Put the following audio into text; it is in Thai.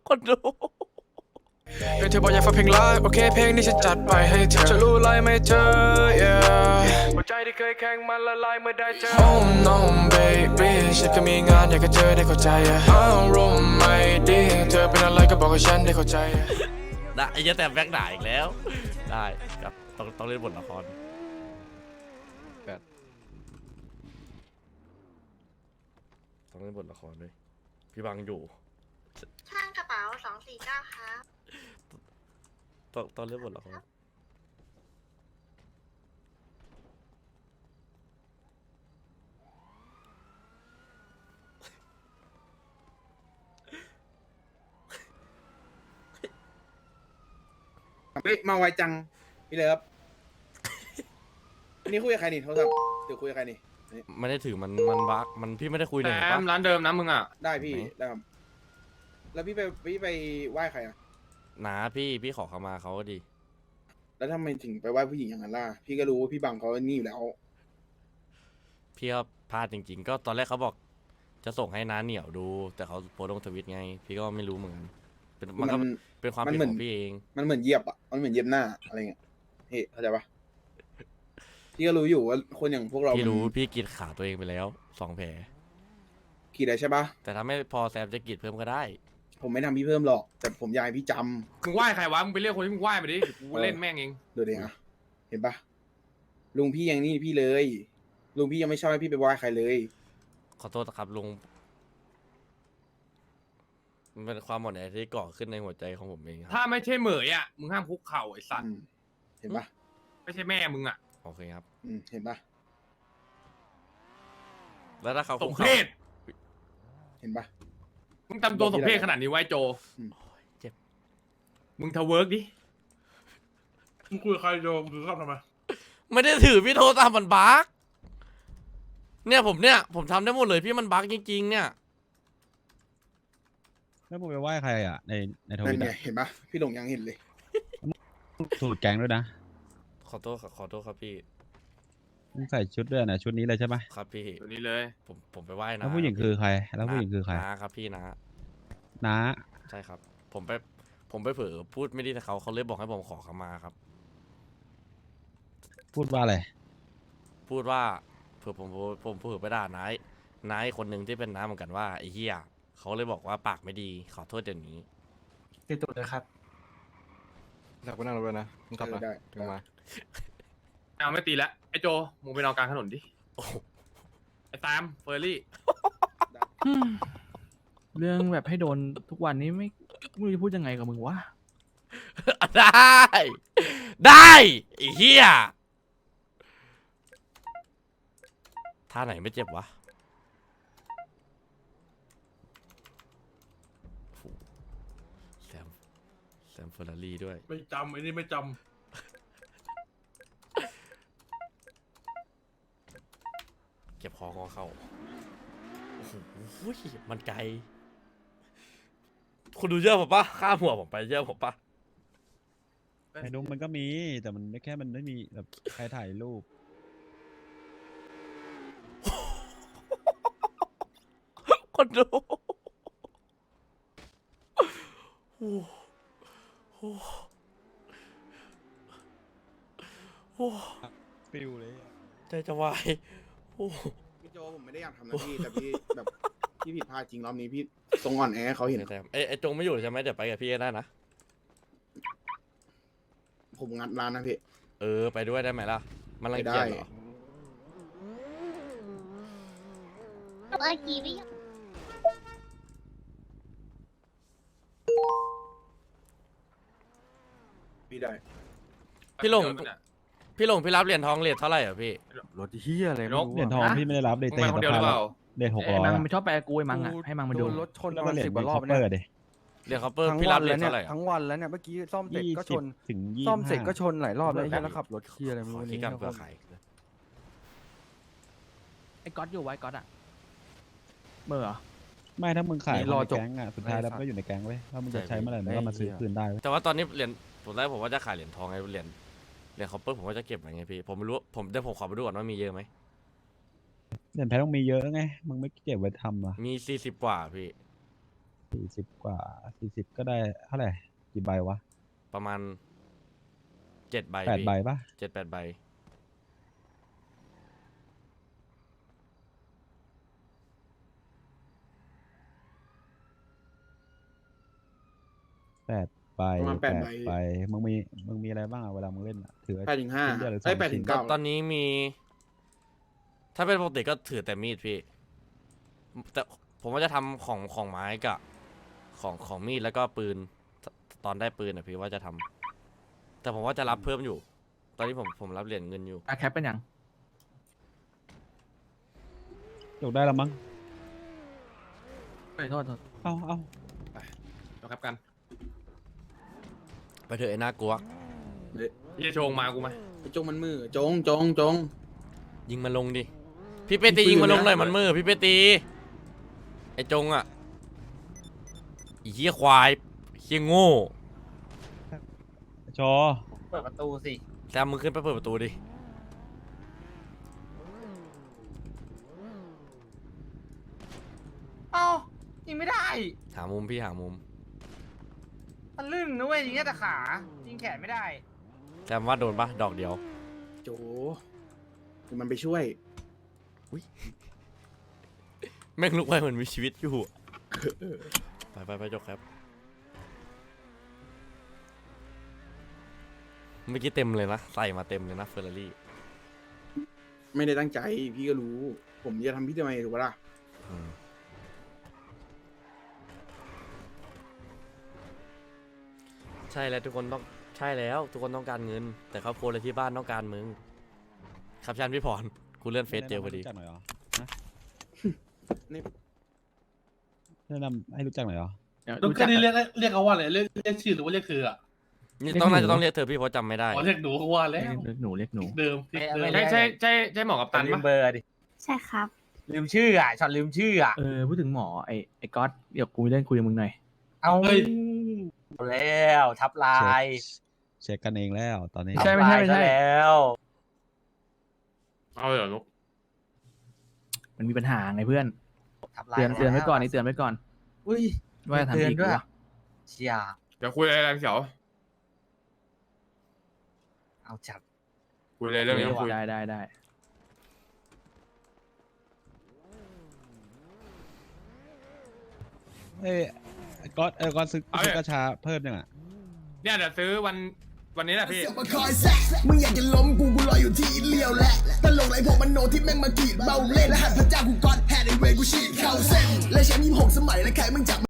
คนดูเธอบอกอยากฟังเพลงไลฟ์โอเคเพลงนี้ฉันจัดไปให้เธอจะรู้ไรไหมเธอ yeah หัวใจที่เคยแข็งมันละลายเมื่อได้เจอ Oh no baby ฉันก็มีงานอยากจะเจอได้เข้าใจอารมณ์ไม่ดีเธอเป็นอะไรก็บอกให้ฉันได้เข้าใจได้ไอ้เหี้ยแต่แบ็คด่าอีกแล้วได้ครับต้องเล่นบทละครต้องเล่นบทละครด้วยพี่บังอยู่ช่างกระเป๋า249ครับต้องเล่นบทละครเฮ้ยมาไวจังพี่เลิฟนี่คุยกับใครนี่โทรศัพท์เดี๋ยวคุยกับใครนี่ไม่ได้ถือมันบักมันพี่ไม่ได้คุยเลยแอมร้านเดิมนะมึงอ่ะได้พี่ได้ครับแล้วพี่ไปไหว้ใครอ่ะนาพี่ขอเขามาเขาก็ดีแล้วทำไมถึงไปไหว้ผู้หญิงอย่างนั้นล่ะพี่ก็รู้ว่าพี่บังเขานี่อยู่แล้วพี่ก็พลาดจริงๆก็ตอนแรกเขาบอกจะส่งให้น้าเหนียวดูแต่เขาโพสต์ลงทวิตไงพี่ก็ไม่รู้เหมือนกันมันก็เป็นความผิดของพี่เองมันเหมือนเหยียบอ่ะมันเหมือนเหยียบหน้าอะไรเงี้ยเฮ้ยเข้าใจปะพี่ก็รู้อยู่ว่าคนอย่างพวกเราพี่รู้พี่กรีดขาตัวเองไปแล้ว2 แผลขีดได้ใช่ปะแต่ถ้าไม่พอแซมจะกรีดเพิ่มก็ได้ผมไม่ทำพี่เพิ่มหรอกแต่ผมอยากให้พี่จำมึงไหว้ใครวะมึงไปเรียกคนที่มึงไหว้มาดิกูเล่นแม่งเองดูดิอะเห็นปะลุงพี่ยังนี่พี่เลยลุงพี่ยังไม่ชอบให้พี่ไปไหว้ใครเลยขอโทษนะครับลุงมันเป็นความหมดแอที่ก่อขึ้นในหัวใจของผมเองครับถ้าไม่ใช่เหมยอ่ะมึงห้ามคุกเข่าไอ้สัตว์เห็นปะไม่ใช่แม่มึงอ่ะโอเคครับเห็นปะแล้วถ้าเขาสมเพศเห็นปะมึงทำตัวสมเพศขนาดนี้ไว้โจเจ็บมึงทะเวิร์กดิมึงคุยกับใครโยมถือข้ามทำไมไม่ได้ถือพี่โทรตามมันบั๊กเนี่ยผมทำได้หมดเลยพี่มันบั๊กจริงๆเนี่ยแล้วมึงไปไหว้ใครอ่ะในทวินั่นไงตอ่ะเห็นปะพี่หลงยังเห็นเลยสูตรแก๊งด้วยนะขอโทษครับพี่มึงใส่ชุดด้วยนะชุดนี้เลยใช่ไหมครับพี่ตัวนี้เลยผมไปไหว้นะแล้วผู้หญิงคือใครแล้วผู้หญิงคือใครนะครับพี่นะใช่ครับผมไปเผลอพูดไม่ดีแต่เขาเลยบอกให้ผมขอเขามาครับพูดว่าอะไรพูดว่าเผื่อผมเผื่อไปด่านายคนหนึ่งที่เป็นน้าเหมือนกันว่าไอ้เหี้ยเขาเลยบอกว่าปากไม่ดีขอโทษเดี๋ยวนี้ติดตัวเลยครับอยากไปนั่งรถเลยนะมึงขับนะถึงมาเอาไม่ตีแล้วไอ้โจมึงไปนอนกลางถนนดิไอ้ตามเฟอร์รี่เรื่องแบบให้โดนทุกวันนี้ไม่รู้จะพูดยังไงกับมึงวะได้ไอ้เหี้ยท่าไหนไม่เจ็บวะแซมเฟอร์รารี่ด้วยไม่จำไอ้นี่ไม่จเก็บคอเข้าโอ้โหมันไกลคุณดูเยอะผมปะข้ามหัวผมไปเยอะผมปะไอ้นุ๊กมันก็มีแต่มันแค่มันไม่มีแบบใครถ่ายรูปคนดูฟิวเลยใจจะวายพี่โจผมไม่ได้อยากทำนะพี่แต่พี่แบบพี่ผิดพลาดจริงรอบนี้พี่ทรงอ่อนแอเขาเห็นไอ้จงไม่อยู่ใช่ไหมเดี๋ยวไปกับพี่ได้นะผมงัดร้านนะพี่ไปด้วยได้ไหมล่ะมันรังเกียจเหรอเมื่อกี้พี่ได้พี่หลงพี่รับเหรียญทองเหรียญเท่าไหร่อ่ะพี่ำรถเฮียอะไรไม่รู้เหรียญทองพี่ไม่ได้รับเลยมึงไปคนเดียวหรือเปล่าเดท600 มังมันชอบไปกูไอ้มังอ่ะให้มังมาดูรถชนแล้วมัก็นเหรียญ 10 กว่ารอบเปิเนี่ยดดิเหรียญคัพเปอร์พี่รับเหรียญเท่าไหร่ทั้งวันแล้วเนี่ยเมื่อกี้ซ่อมเสร็จก็ชนถึงซ่อมเสร็จก็ชนหลายรอบแล้วแล้วขับรถเฮียอะไรไม่รู้คิดกันเพื่อขายไอ้ก๊อตอยู่ไว้ก๊อตอ่ะเมื่อไม่ถ้ามึงขายรอแก๊งอ่ะสุดท้ายแล้วมันก็อยู่ในแก๊งเว้ยถ้ามึงจะใช้เมื่อไหร่มึงก็มาซื้อคืนได้แต่ว่าตอนนี้เหรียญผมว่าจะขายเหรียญทองไงเหรียญคัพเปอร์ผมว่าจะเก็บไว้ไงพี่ผมไม่รู้เดี๋ยวผมขอไปดูก่อนว่ามีเยอะไหมเหรียญแพ้ต้องมีเยอะไงมึงไม่เก็บไว้ทำอ่ะมี40 กว่าพี่ 40 กว่า 40 ก็ได้เท่าไหร่กี่ใบวะประมาณ7 ใบ 8 พี่ใบปะ 7-8 ใบ 8 ใบประมาณ8 ใบใบมึงมีอะไรบ้างอะเวลามึงเล่นอะถือ 8-5 ชิ้นเดียวหรือไอ้ 2 ชิ้น 8-9 ตอนนี้มี ถ้าเป็นปกติก็ถือแต่มีดพี่ แต่ผมว่าจะทำของไม้กับของมีดแล้วก็ปืนตอนได้ปืนอ่ะพี่ว่าจะทำแต่ผมว่าจะรับเพิ่มอยู่ ตอนนี้ผมรับเหรียญเงินอยู่อะแคปเป็นยังจบได้แล้วมั้งโทษเอาเราครับกันไปเถอะไอ้หน้ากลัวพี่จะโชงมากูไหมไอ้จงมันมือจงยิงมันลงดิพี่เปตียิงมันลงหน่อยมันมือพี่เปตีไอ้จงอ่ะไอ้เหี้ยควายเหี้ยโง่ชอเปิดประตูสิแซมมึงขึ้นไปเปิดประตูดิเอ้ายิงไม่ได้หามุมพี่หามุมมันลื่นนะเว้ยยิงแค่แต่ขายิงแขนไม่ได้แซมว่าโดนปะดอกเดียวโจคือมันไปช่วยแม่งลุกไปเหมือนมีชีวิตอยู่ ไปจบครับ เมื่อกี้เต็มเลยนะ ใส่มาเต็มเลยนะเฟอร์รารี่ไม่ได้ตั้งใจพี่ก็รู้ ผมจะทำพี่ทำไมถูกปะล่ะใช่แล้วทุกคนต้องใช่แล้วทุกคนต้องการเงิน แต่ครอบครัวเลยที่บ้านต้องการมึงครับชันพี่พรกูเลื่อนเฟซเจอพอดีแนะนำให้รู้จักหน่อยเหรอฮะนี่แนะนำให้รู้จักหน่อยเหรอรู้ก็จักนี่เรียกเขาว่าอะไรเรียกชื่อหรือว่าเรียกเธออ่ะนี่ต้องน่าจะต้องเรียกเธอพี่เพราะจำไม่ได้อ๋อเรียกหนูเขาว่าแล้วเรียกหนูเรียกหนูเดิมเดิมใช่หมอกับตันลืปะมเบอร์ดิใช่ครับลืมชื่ออ่ะช็อตลืมชื่ออ่ะพูดถึงหมอไอ้ก๊อตเดี๋ยวกูมีเรื่องคุยกับมึงหน่อยเอาแล้วทับลายเช็คกันเองแล้วตอนนี้ใช่ทับลายซะแล้วเอาเลยเหรอลูกมันมีปัญหาไงเพื่อนทับลายเตือนไว้ก่อนนี่เตือนไว้ก่อนอุ้ยว่าจะทำเตือนอีกด้วยวะเชียเดี๋ยวคุยอะไรกันเขียวเอาจัดคุยอะไรเรื่องนี้คุยได้เอ้ยก๊อตซื้อกระชาเพิ่มยังอ่ะเนี่ยเดี๋ยวซื้อวันนี้แหละพี่มาคอยแซะมึงอยากจะล้มกูรออยู่ที่เลี้ยวแหละตลกไรพวกมันโนที่แม่งมากรีดเบาเล่นและหันพระเจ้ากูก้อนแฮนด์ไอเวย์กูฉีดเข้าเส้นและแชมป์26 สมัยและใครมึงจับ